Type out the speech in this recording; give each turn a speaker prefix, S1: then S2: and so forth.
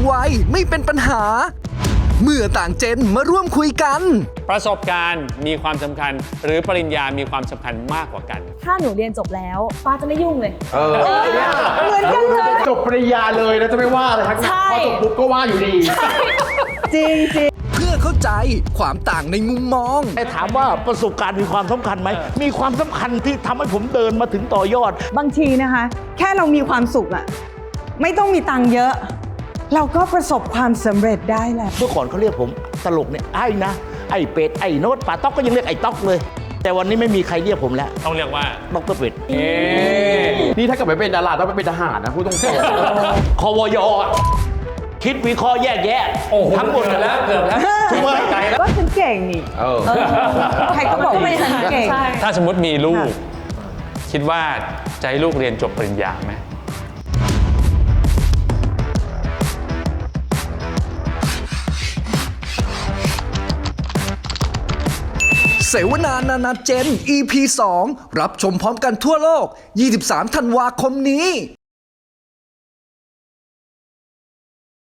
S1: วัยไม่เป็นปัญหา เมื่อต่างเจนมาร่วมคุยกัน
S2: ประสบการณ์มีความสำคัญหรือปริญญามีความสำคัญมากกว่ากัน
S3: ถ้าหนูเรียนจบแล้วฟ้าจะไม่ยุ่งเลย
S4: เหมือนกันเลยจบปริญญาเลยแล้วจะไม่ว่าเลยทั้ง
S3: ใช่
S4: พอจบปุ๊บก็ว่าอยู่ดี
S3: จริงจริง
S1: เพื่อเข้าใจความต่างในมุมมอง
S5: แต่ถามว่าประสบการณ์มีความสำคัญไหม มีความสำคัญที่ทำให้ผมเดินมาถึงต่อยอด
S6: บางทีนะคะ แค่เรามีความสุขอะไม่ต้องมีตังค์เยอะ เราก็ประสบความสำเร็จได้แหละ
S5: เมื่อก่อนเขาเรียกผมตลกเนี่ยไอ้นะ ไอ้เป็ด ไอ้โน้ตป่าต๊อกก็ยังเรียกไอ้ต๊อกเลย แต่วันนี้ไม่มีใครเรียกผมแล้ว
S2: ต้องเรียกว่า
S5: ดรเป็ด
S4: นี่ถ้าเกิดไม่เป็นดาราต้องไปเป็นทหารนะพูดตรง
S5: ควยอะคิดวิเคราะห์แยกแยะทั้งหมด
S2: เกือบแล้วถูกไหม
S6: ก็ฉันเก่งนี่
S4: ๆเออ
S6: ใครก็บอกว่าฉันเก่ง
S2: ถ้าสมมติมีลูก คิดว่าจะให้ลูกเรียนจบปริญญาไหม
S1: เสวนานานาเจน EP 2 รับชมพร้อมกันทั่วโลก 23 ธันวาคมนี้